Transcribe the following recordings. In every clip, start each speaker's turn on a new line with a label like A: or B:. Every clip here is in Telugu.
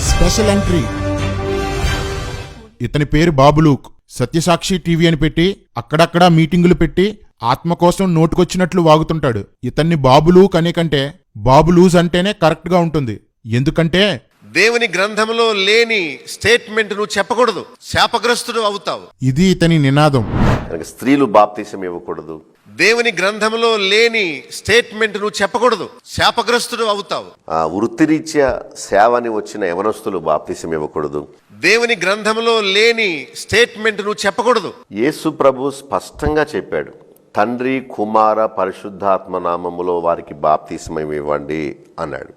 A: Special entry. ఇతని పేరు బాబులూక్. సత్యసాక్షి టీవీ అని పెట్టి అక్కడక్కడా మీటింగులు పెట్టి ఆత్మ కోసం నోటుకొచ్చినట్లు వాగుతుంటాడు. ఇతన్ని బాబులూక్ అనే కంటే బాబులూజ్ అంటేనే కరెక్ట్ గా ఉంటుంది. ఎందుకంటే
B: దేవుని గ్రంథంలో లేని స్టేట్మెంట్ నువ్వు చెప్పకూడదు, శాపగ్రస్తుడు అవుతావు.
A: ఇది ఇతని నినాదం.
C: స్త్రీలు బాప్తిసం ఇవ్వకూడదు.
B: దేవుని గ్రంథంలో లేని స్టేట్మెంట్ నువ్వు చెప్పకూడదు, శాపగ్రస్తుడు అవుతావు.
C: వృత్తిరీత్యా సేవని వచ్చిన యవనస్తులు బాప్తిసం ఇవ్వకూడదు.
B: దేవుని గ్రంథంలో లేని స్టేట్మెంట్ నువ్వు చెప్పకూడదు.
C: యేసు ప్రభు స్పష్టంగా చెప్పాడు, తండ్రి కుమార పరిశుద్ధాత్మ నామములో వారికి బాప్తిసం ఇవ్వండి అన్నాడు.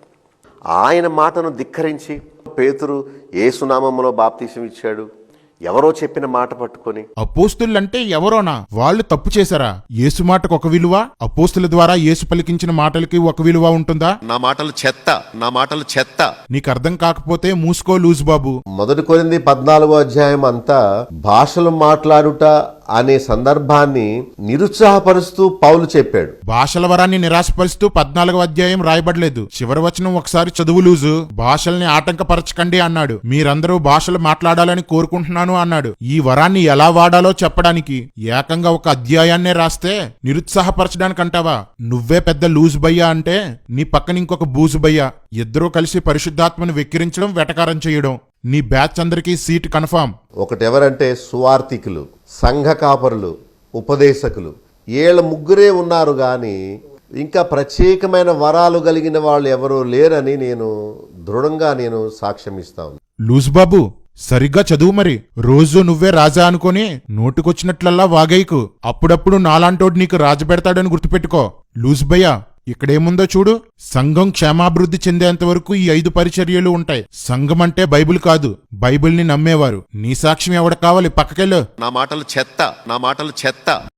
C: ఆయన మాటను ధిక్కరించి పేతురు యేసునామములో బాప్తిసం ఇచ్చాడు. ఎవరో చెప్పిన మాట పట్టుకొని.
A: అపోస్తులంటే ఎవరోనా? వాళ్ళు తప్పు చేశారా? యేసు మాటకు ఒక విలువ, అపోస్తుల ద్వారా యేసు పలికించిన మాటలకి ఒక విలువ ఉంటుందా?
B: నా మాటలు చెత్త, నా మాటలు చెత్త.
A: నీకు అర్థం కాకపోతే మూసుకో లూజ్ బాబు.
D: 1 కొరింథీ 14వ అధ్యాయం అంతా భాషలు మాట్లాడుట అనే సందర్భాన్ని నిరుత్సాహపరుస్తూ పౌలు చెప్పాడు.
A: భాషల వరాన్ని నిరాశపరుస్తూ 14వ అధ్యాయం రాయబడలేదు. చివరి వచనం ఒకసారి చదువు లూజు. భాషల్ని ఆటంకపరచకండి అన్నాడు. మీరందరూ భాషలు మాట్లాడాలని కోరుకుంటున్నాను అన్నాడు. ఈ వరాన్ని ఎలా వాడాలో చెప్పడానికి ఏకంగా ఒక అధ్యాయాన్నే రాస్తే నిరుత్సాహపరచడానికి అంటావా? నువ్వే పెద్ద లూజ్ బయ్యా అంటే నీ పక్కన ఇంకొక బూజు బయ్యా. ఇద్దరూ కలిసి పరిశుద్ధాత్మను వెక్కిరించడం, వెటకారం చేయడం. నీ బ్యాచ్ అందరికీ సీట్ కన్ఫామ్.
D: ఒకటెవరంటే సువార్థికులు, సంఘ కాపరులు, ఉపదేశకులు. వీళ్ళ ముగ్గురే ఉన్నారు గాని ఇంకా ప్రత్యేకమైన వరాలు కలిగిన వాళ్ళు ఎవరూ లేరని నేను దృఢంగా సాక్ష్యం ఇస్తాను.
A: లూజ్ బాబు సరిగ్గా చదువు మరి. రోజు నువ్వే రాజా అనుకొని నోటుకొచ్చినట్లల్లా వాగైకు. అప్పుడప్పుడు నాలాంటోడు నీకు రాజపెడతాడని గుర్తుపెట్టుకో. లూజ్ భయ్యా, ఇక్కడేముందో చూడు. సంఘం క్షేమాభివృద్ధి చెందేంత వరకు ఈ 5 పరిచర్యలు ఉంటాయి. సంఘం అంటే బైబిల్ కాదు, బైబిల్ని నమ్మేవారు. నీ సాక్ష్యం ఎవడ కావాలి? పక్కకెళ్ళు.
B: నా మాటలు చెత్త, నా మాటలు చెత్త.